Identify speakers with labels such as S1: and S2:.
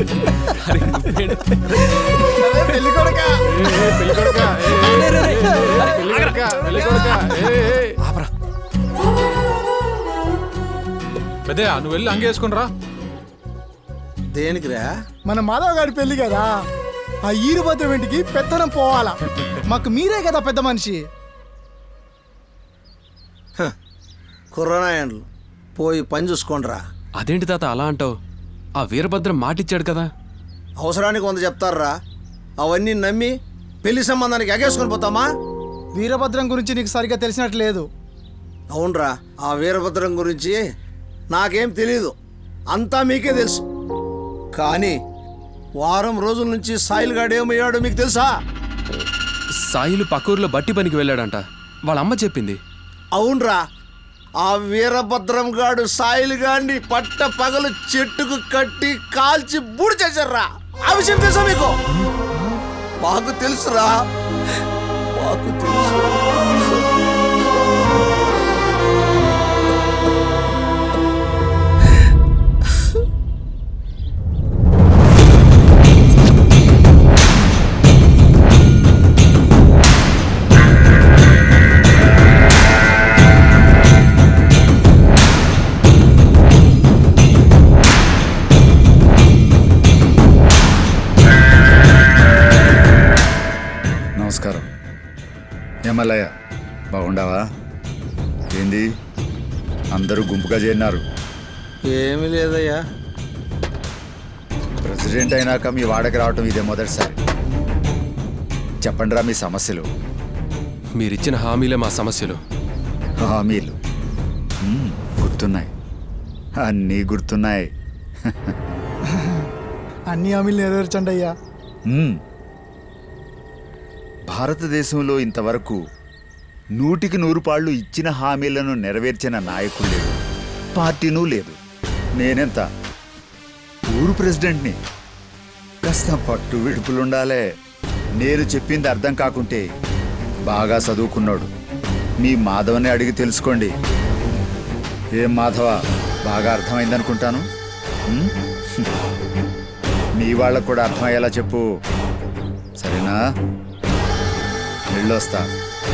S1: పెద్దయ్య నువ్వు వెళ్ళి అంగేసుకుని రా.
S2: దేనికిరా?
S3: మన మాధవ్ గారి పెళ్లి కదా, ఆ ఈరుభద్రం ఇంటికి పెత్తనం పోవాలా. మాకు మీరే కదా పెద్ద మనిషి.
S2: కుర్రనాయన్లు పోయి పని చూసుకోండిరా.
S4: అదేంటి తాత అలా అంటావు? ఆ వీరభద్రం మాటిచ్చాడు కదా.
S2: అవసరానికి 100 చెప్తారా? అవన్నీ నమ్మి పెళ్లి సంబంధానికి ఎగేసుకొని పోతామా?
S3: వీరభద్రం గురించి నీకు సరిగ్గా తెలిసినట్టు లేదు.
S2: అవునరా, ఆ వీరభద్రం గురించి నాకేం తెలీదు, అంతా మీకే తెలుసు. కానీ వారం రోజుల నుంచి సాయిల్ గాడు ఏమయ్యాడో మీకు తెలుసా?
S4: సాయిలు పక్కూరులో బట్టి పనికి వెళ్ళాడంట, వాళ్ళ అమ్మ చెప్పింది.
S2: అవునరా, ఆ వీరభద్రం గాడు సాయిల్ గాడిని పట్ట పగలు చెట్టుకు కట్టి కాల్చి బూడి చేశారా. ఆ విషయం తెలుసా మీకు? మాకు తెలుసురా, మాకు తెలుసు.
S5: నమస్కారం. ఏమల్లయ్య, బాగుండావా? ఏంది అందరూ గుంపుగా చేరినారు?
S2: ఏమీ లేదయ్యా.
S5: ప్రెసిడెంట్ అయినాక మీ వాడకి రావటం ఇదే మొదటిసారి. చెప్పండిరా మీ సమస్యలు.
S4: మీరిచ్చిన హామీలే మా సమస్యలు.
S5: హామీలు గుర్తున్నాయి, అన్నీ గుర్తున్నాయి.
S3: అన్ని హామీలు నెరవేర్చండి అయ్యా.
S5: భారతదేశంలో ఇంతవరకు 100కి 100 పాళ్ళు ఇచ్చిన హామీలను నెరవేర్చిన నాయకుడు లేడు, పార్టీనూ లేదు. నేనెంత ఊరు ప్రెసిడెంట్ని. కాస్త పట్టు విడుపులుండాలే. నేను చెప్పింది అర్థం కాకుంటే బాగా చదువుకున్నాడు మీ మాధవని అడిగి తెలుసుకోండి. ఏం మాధవ, బాగా అర్థమైందనుకుంటాను. మీ వాళ్ళకు కూడా అర్థమయ్యేలా చెప్పు, సరేనా? వెళ్ళొస్తా.